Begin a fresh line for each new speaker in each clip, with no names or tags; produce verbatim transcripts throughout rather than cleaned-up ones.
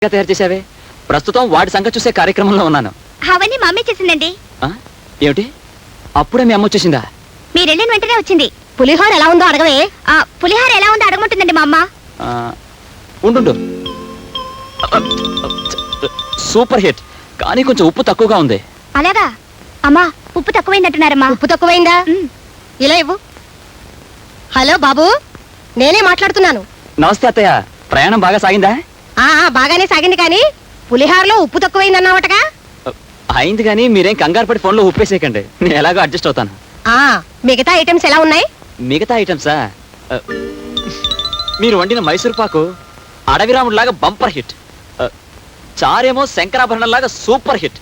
తయారు చేసావే. ప్రస్తుతం వాడి సంగతి చూసే కార్యక్రమంలో ఉన్నాను.
అవన్నీ మా అమ్మే చేసిందండి.
ఏమిటి, అప్పుడే మీ అమ్మ వచ్చేసిందా?
మీరు వెళ్ళిన వెంటనే వచ్చింది.
పులిహోర ఎలా ఉందో అడగవే.
ఆ పులిహార ఎలా ఉందో అడగమంటుందండి మా అమ్మ.
ఉండు, సూపర్ హిట్, కానీ కొంచెం ఉప్పు తక్కువగా ఉంది.
అలాగా? అమ్మా, ఉప్పు తక్కువైందంటున్నారమ్మా.
ఉప్పు తక్కువైందా? ఇలా ఇవ్వు. హలో బాబు, నేనే మాట్లాడుతున్నాను.
నమస్తే అత్తయ్య, ప్రయాణం బాగా సాగిందా?
ఆ బాగానే సాగింది, కానీ పులిహారలో ఉప్పు తక్కువైందన్నావటగా.
అయింది, కానీ మీరేం కంగారు పడి ఫోన్లో ఉప్పేసేయకండి, నేను ఎలాగో అడ్జస్ట్ అవుతాను.
ఆ మిగతా ఐటమ్స్ ఎలా ఉన్నాయి?
మిగతా ఐటమ్సా? మీరు వండిన మైసూర్ పాకు అడవిరాముడు లాగా బంపర్ హిట్, చారేమో శంకరాభరణం లాగా సూపర్ హిట్,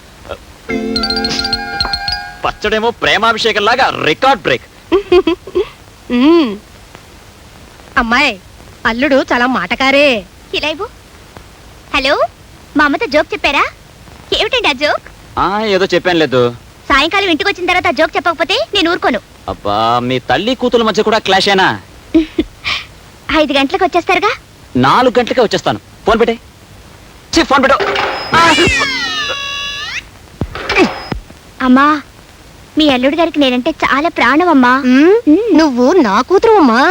పచ్చడేమో ప్రేమాభిషేకం లాగా రికార్డ్ బ్రేక్.
అమ్మాయి, అల్లుడు చాలా మాటకారే.
ఇలా ఇవ్వు. హలో, మా అమ్మతో జోక్ చెప్పారా? ఏమిటండి ఆ జోక్?
ఏదో చెప్పాను లేదు.
సాయంకాలం ఇంటికి వచ్చిన తర్వాత జోక్ చెప్పకపోతే నేను ఊరుకోను.
అబ్బా, మీ తల్లి కూతుల మధ్య కూడా క్లాష్ అయినా?
ఐదు గంటలకు వచ్చేస్తారుగా?
నాలుగు గంటలకే వచ్చేస్తాను. ఫోన్ పెట్టే. ఫోన్ పెట్టు.
అమ్మా, మీ అల్లుడు గారికి నేనంటే చాలా ప్రాణం అమ్మా.
నువ్వు నా కూతురు అమ్మా.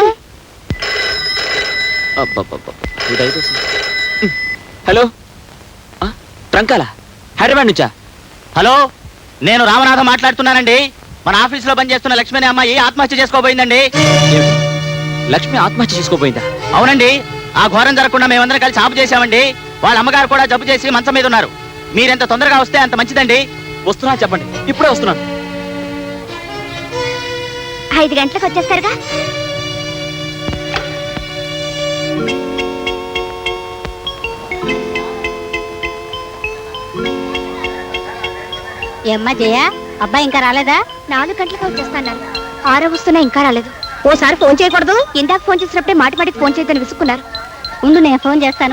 హలో, ట్రంకాల హైదరాబాద్ నుంచా?
హలో, నేను రామనాథం మాట్లాడుతున్నానండి. మన ఆఫీస్ లో పనిచేస్తున్న లక్ష్మి అనే అమ్మాయి ఆత్మహత్య చేసుకోబోయిందండి.
లక్ష్మి ఆత్మహత్య చేసుకోబోయిందా?
అవునండి, ఆ ఘోరం జరగకుండా మేమందరం కలిసి ఆపు చేశామండి. వాళ్ళ అమ్మగారు కూడా జబ్బు చేసి మంచం మీద ఉన్నారు. మీరెంత తొందరగా వస్తే అంత మంచిదండి.
వస్తున్నా, చెప్పండి, ఇప్పుడే వస్తున్నాను.
ఐదు గంటలకు వచ్చేస్తారుగా?
ఏమ్మా జయ, అబ్బాయి ఇంకా రాలేదా?
నాలుగు గంటలకు వచ్చేస్తాను. ఆరో వస్తున్నా, ఇంకా రాలేదు.
ఓసారి ఫోన్ చేయకూడదు?
ఇందాక ఫోన్ చేసినప్పుడే మాటి మాటికి ఫోన్ చేయదని విసుక్కున్నారు.
ఉండు, నేను ఫోన్ చేస్తాను.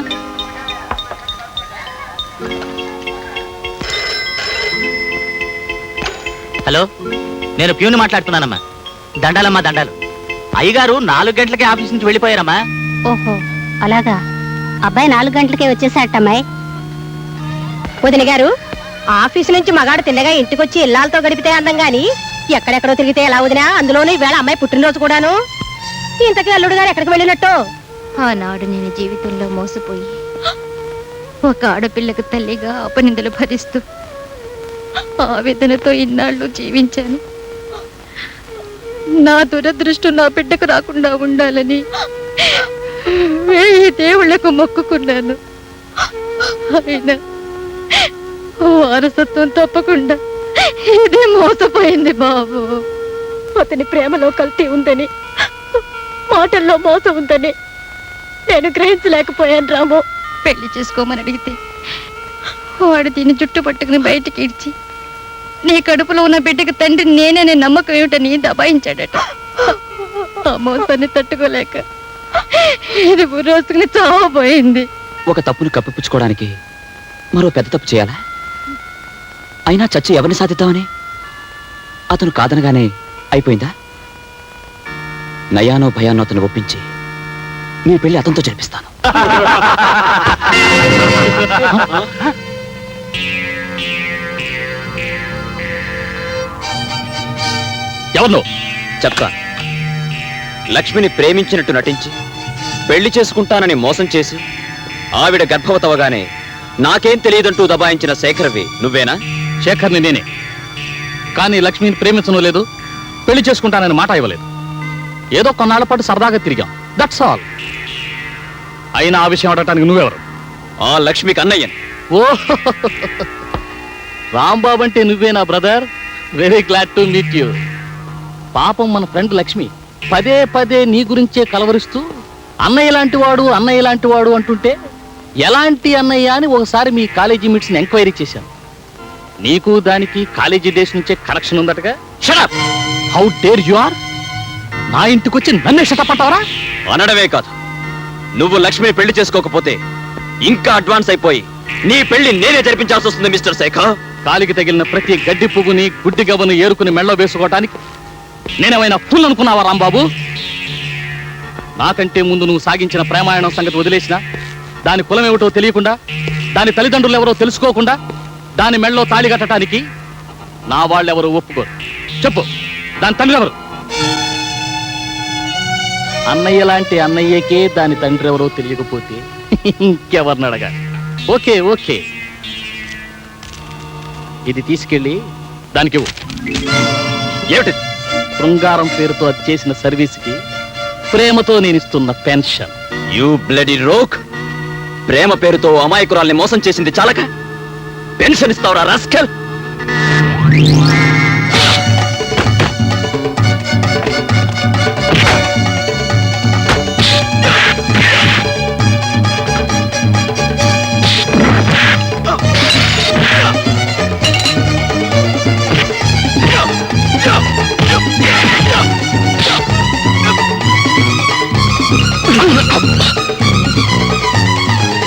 హలో, నేను ప్యూని మాట్లాడుతున్నానమ్మా. దండాలమ్మా దండాలు. అయ్యగారు నాలుగు గంటలకే ఆఫీస్ నుంచి వెళ్ళిపోయారమ్మా.
ఓహో, అలాగా. అబ్బాయి నాలుగు గంటలకే వచ్చేసాటమ్మాయి. వదిన గారు, ఆఫీసు నుంచి మగాడు తిన్నగా ఇంటికొచ్చి ఇల్లాలతో గడిపితే అందం గాని ఎక్కడెక్కడో తిరిగితే ఎలా వదినా? అందులోనూ ఈవేళ అమ్మాయి పుట్టినరోజు కూడాను. ఇంతకీ అల్లుడు గారు ఎక్కడికి వెళ్ళినట్టు?
ఆనాడు నేను జీవితంలో మోసపోయి ఒక ఆడపిల్లకు తల్లిగా అపనిందలు భరిస్తూ ఆవేదనతో ఇన్నాళ్ళు జీవించాను. నా దురదృష్టం నా బిడ్డకు రాకుండా ఉండాలని వేయి దేవుళ్లకు మొక్కుకున్నాను. అయినా వారసత్వం తప్పకుండా ఇది మోసపోయింది బాబు.
అతని ప్రేమలో కల్తీ ఉందని, మాటల్లో మోసం ఉందని నేను గ్రహించలేకపోయాను రాము.
పెళ్లి చేసుకోమని అడిగితే వాడు దీన్ని జుట్టు పట్టుకుని బయటికి ఇడ్చి నీ కడుపులో ఉన్న బిడ్డకి తండ్రి నేనే నమ్మకం ఏమిటని దబాయించాడట. ఆ మోసాన్ని తట్టుకోలేక ఇది రోజుకుని చావబోయింది.
ఒక తప్పును కప్పిపుచ్చుకోవడానికి మరో పెద్ద తప్పు చేయాలా? అయినా చచ్చి ఎవరిని సాధిద్దామని? అతను కాదనగానే అయిపోయిందా? నయానో భయానో అతను ఒప్పించి మీ పెళ్లి అతనితో జరిపిస్తాను.
ఎవరు
చెప్తాను. లక్ష్మిని ప్రేమించినట్టు నటించి పెళ్లి చేసుకుంటానని మోసం చేసి ఆవిడ గర్భవతవగానే నాకేం తెలియదంటూ దబాయించిన శేఖర్వి నువ్వేనా?
శేఖర్ని నేనే, కానీ లక్ష్మిని ప్రేమించను లేదు, పెళ్లి చేసుకుంటానని మాట ఇవ్వలేదు. ఏదో కొన్నాళ్ల పాటు సరదాగా తిరిగాం, దట్స్ ఆల్. అయినా ఆ విషయం అడగటానికి నువ్వెవరు?
ఆ లక్ష్మికి అన్నయ్యను.
ఓ రాంబాబు అంటే నువ్వేనా brother? Very glad to meet you. పాపం మన ఫ్రెండ్ లక్ష్మి పదే పదే నీ గురించే కలవరిస్తూ అన్నయ్య లాంటి వాడు అన్నయ్య లాంటి వాడు అంటుంటే ఎలాంటి అన్నయ్య అని ఒకసారి మీ కాలేజీ మీట్స్ ని ఎంక్వైరీ చేశాను. నీకు దానికి కాలేజీ డేస్ నుంచే కనెక్షన్ ఉందటగా. Shut up! How dare you are! నా ఇంటికి వచ్చి నన్నే షటపట్టావరా?
అనడమే కాదు, నువ్వు లక్ష్మిని పెళ్లి చేసుకోకపోతే ఇంకా అడ్వాన్స్ అయిపోయి నీ పెళ్లి నేనే జరిపించాల్సి వస్తుంది మిస్టర్ శేఖర్.
కాలికి తగిలిన ప్రతి గడ్డి పువ్వుని గుడ్డి గవ్వను ఏరుకుని మెళ్ళో వేసుకోవటానికి నేనేమైనా ఫుల్ అనుకున్నావా రాంబాబు? నాకంటే ముందు నువ్వు సాగించిన ప్రేమాయణం సంగతి వదిలేసినా దాని కులమేమిటో తెలియకుండా దాని తల్లిదండ్రులు ఎవరో తెలుసుకోకుండా దాని మెళ్ళలో తాళి కట్టడానికి నా వాళ్ళెవరూ ఒప్పుకోరు. చెప్పు, దాని తండ్రి ఎవరు? అన్నయ్య లాంటి అన్నయ్యకే దాని తండ్రి ఎవరో తెలియకపోతే ఇంకెవరిని అడగా? ఓకే ఓకే, ఇది తీసుకెళ్ళి దానికి ఇవ్వు.
ఏమిటి?
శృంగారం పేరుతో అది చేసిన సర్వీస్కి ప్రేమతో నేను ఇస్తున్న పెన్షన్.
You bloody rogue! ప్రేమ పేరుతో అమాయకురాల్ని మోసం చేసింది చాలక పెన్షన్ ఇస్తావురా రాస్కల్?